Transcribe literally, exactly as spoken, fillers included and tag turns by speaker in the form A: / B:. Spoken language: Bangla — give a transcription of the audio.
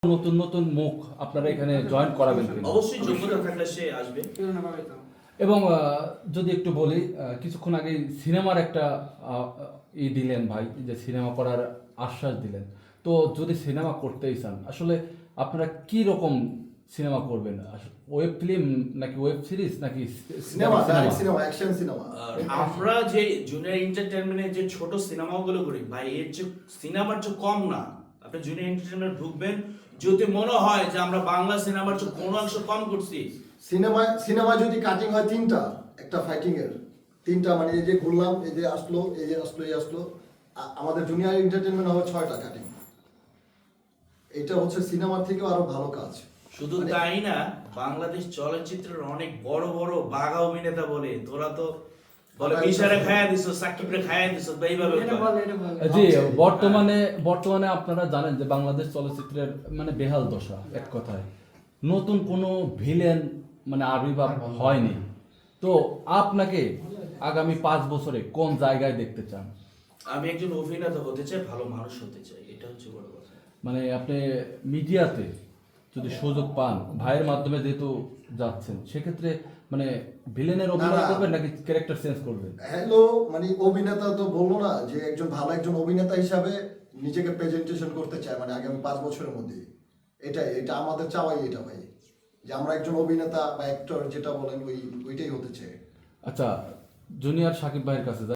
A: নতুন নতুন মুখ আপনারা এখানে জয়েন করাবেন কিনা?
B: অবশ্যই যোগ্যতা থাকলে সে আসবে।
A: এবং আহ, যদি একটু বলি, আহ, কিছুক্ষণ আগে সিনেমার একটা আহ, ই দিলেন ভাই, যে সিনেমা করার আশ্বাস দিলেন। তো যদি সিনেমা করতেই চান, আসলে আপনারা কি রকম সিনেমা করবেন? ওয়েব ফিল্ম নাকি ওয়েব সিরিজ নাকি
C: cinema
A: cinema?
C: Cinema action cinema
B: আর আমরা যে জুনিয়র এন্টারটেইনমেন্টের যে ছোট সিনেমাগুলো করি ভাই, এর যে সিনেমার যে কম না। আপনি জুনিয়র এন্টারটেইনমেন্ট ঢুকবেন, যদি মনে হয় যে আমরা বাংলা সিনেমার যে কোনো অংশ কম করছি,
C: সিনেমা সিনেমা যদি কাটিং হয় তিনটা, একটা ফাইটিং এর তিনটা, মানে এই যে ঘুরলাম, এই যে আসলো, এই যে আসলো, এই আসলো, আ- আমাদের জুনিয়র এন্টারটেইনমেন্ট হবে ছয়টা কাটিং। এটা হচ্ছে সিনেমার থেকেও আরো ভালো কাজ।
B: শুধু
C: মানে-
B: তাই না, বাংলাদেশ চলচ্চিত্রের অনেক বড় বড় বাঘা অভিনেতা বলে তোরা তো বলে বিশারে খায়া দিছো, সাকিবরে খায়া দিছো, তো এইভাবে কয়।
A: জি, বর্তমানে বর্তমানে আপনারা জানেন যে বাংলাদেশ চলচ্চিত্রের মানে বেহাল দশা, এক কথায় নতুন কোনো ভিলেন মানে আবির্ভাব হয়নি। তো আপনাকে আগামী পাঁচ বছরে কোন জায়গায় দেখতে চান?
B: আমি একজন অভিনেতা হতে চাই, ভালো মানুষ হতে চাই, এটা হচ্ছে বড় কথা।
A: মানে আপনি মিডিয়াতে যদি সুযোগ পান, ভাইয়ের মাধ্যমে যেহেতু যাচ্ছেন, সেক্ষেত্রে মানে ভিলেনের অভিনয়
C: না, না।
A: করবেন নাকি ক্যারেক্টার চেঞ্জ করবেন?
C: হ্যালো, মানে অভিনেতা তো বললো না যে একজন ভালো একজন অভিনেতা হিসাবে নিজেকে প্রেজেন্টেশন করতে চায়, মানে আগামী পাঁচ বছরের মধ্যে। এটাই, এটা আমাদের চাওয়াই এটা ভাই, যে আমরা একজন অভিনেতা বা অ্যাক্টর যেটা বলেন ওই ওইটাই হতে চাই।
A: আচ্ছা, জুনিয়র সাকিব ভাইয়ের কাছে